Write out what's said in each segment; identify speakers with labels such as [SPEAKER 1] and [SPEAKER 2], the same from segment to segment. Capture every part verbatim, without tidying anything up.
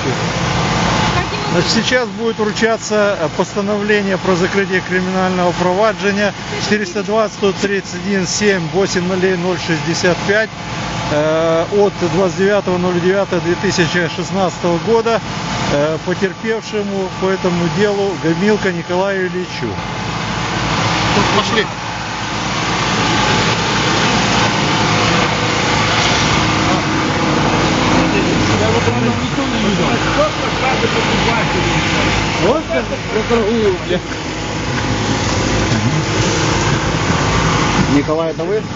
[SPEAKER 1] Значит, сейчас будет вручаться постановление про закрытие криминального проваджения четыреста двадцать сто тридцать один семь восемь ноль ноль шестьдесят пять э, от двадцать девятого ноль девятого две тысячи шестнадцатого года э, потерпевшему по этому делу Гамилко Николаю Ильичу.
[SPEAKER 2] Пошли.
[SPEAKER 3] Николай, это вы?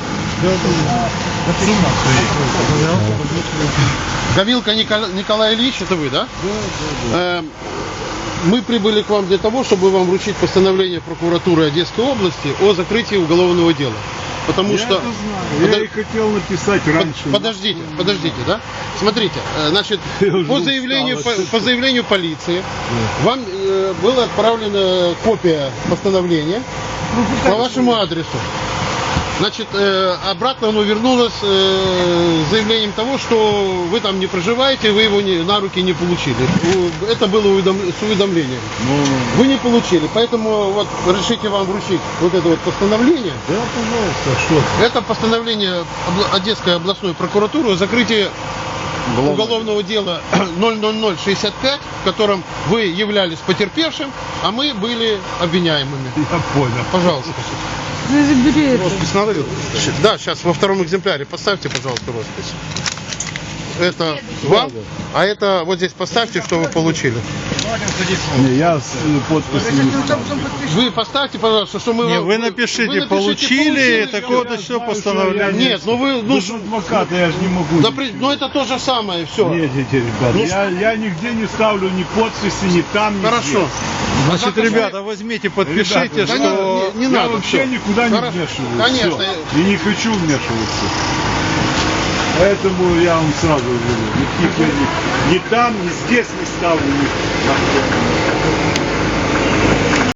[SPEAKER 2] Гамилко Николай Ильич, это вы, да? Да, да. Мы прибыли к вам для того, чтобы вам вручить постановление прокуратуры Одесской области о закрытии уголовного дела. Потому
[SPEAKER 4] я
[SPEAKER 2] что...
[SPEAKER 4] это знаю. Я и хотел написать раньше.
[SPEAKER 2] Подождите, подождите, да? Смотрите, значит, по заявлению, по, по заявлению полиции вам э, была отправлена копия постановления по вашему адресу. Значит, э, обратно оно вернулось э, с заявлением того, что вы там не проживаете, вы его не, на руки не получили. Это было уведом, с уведомлением.
[SPEAKER 4] Ну,
[SPEAKER 2] вы не получили, поэтому вот решите вам вручить вот это вот постановление.
[SPEAKER 4] Да, пожалуйста, что?
[SPEAKER 2] Это постановление Одесской областной прокуратуры о закрытии уголовного дела ноль ноль ноль шестьдесят пять, в котором вы являлись потерпевшим, а мы были обвиняемыми.
[SPEAKER 4] Я понял.
[SPEAKER 2] Пожалуйста.
[SPEAKER 5] Забери это.
[SPEAKER 2] Роспись надо? Да, сейчас во втором экземпляре поставьте, пожалуйста, роспись. Это вам, а это вот здесь поставьте, что вы получили.
[SPEAKER 4] Не, я с подписью не ставлю.
[SPEAKER 2] Вы поставьте, пожалуйста, что мы
[SPEAKER 1] Не,
[SPEAKER 2] вам...
[SPEAKER 1] вы напишите,
[SPEAKER 2] вы напишите,
[SPEAKER 1] получили,
[SPEAKER 2] получили,
[SPEAKER 1] такое-то все постановление.
[SPEAKER 2] Нет, ну вы... Ну,
[SPEAKER 4] Вы же адвокаты, я же не могу.
[SPEAKER 2] да, при- ну это то же самое, все.
[SPEAKER 4] Нет, эти ребята,
[SPEAKER 2] Ну,
[SPEAKER 4] я, я нигде не ставлю ни подписи, ни там, ни
[SPEAKER 2] Хорошо.
[SPEAKER 4] здесь.
[SPEAKER 1] Значит, ребята, возьмите, подпишите,
[SPEAKER 4] Ребята,
[SPEAKER 2] Да
[SPEAKER 1] что...
[SPEAKER 2] не, не, не
[SPEAKER 4] я
[SPEAKER 2] надо.
[SPEAKER 4] вообще
[SPEAKER 2] всё.
[SPEAKER 4] никуда не
[SPEAKER 2] Хорошо.
[SPEAKER 4] вмешиваюсь.
[SPEAKER 2] Конечно.
[SPEAKER 4] всё. И не хочу вмешиваться. Поэтому я вам сразу говорю, никаких я ни, ни там, ни здесь не ставлю. Ни...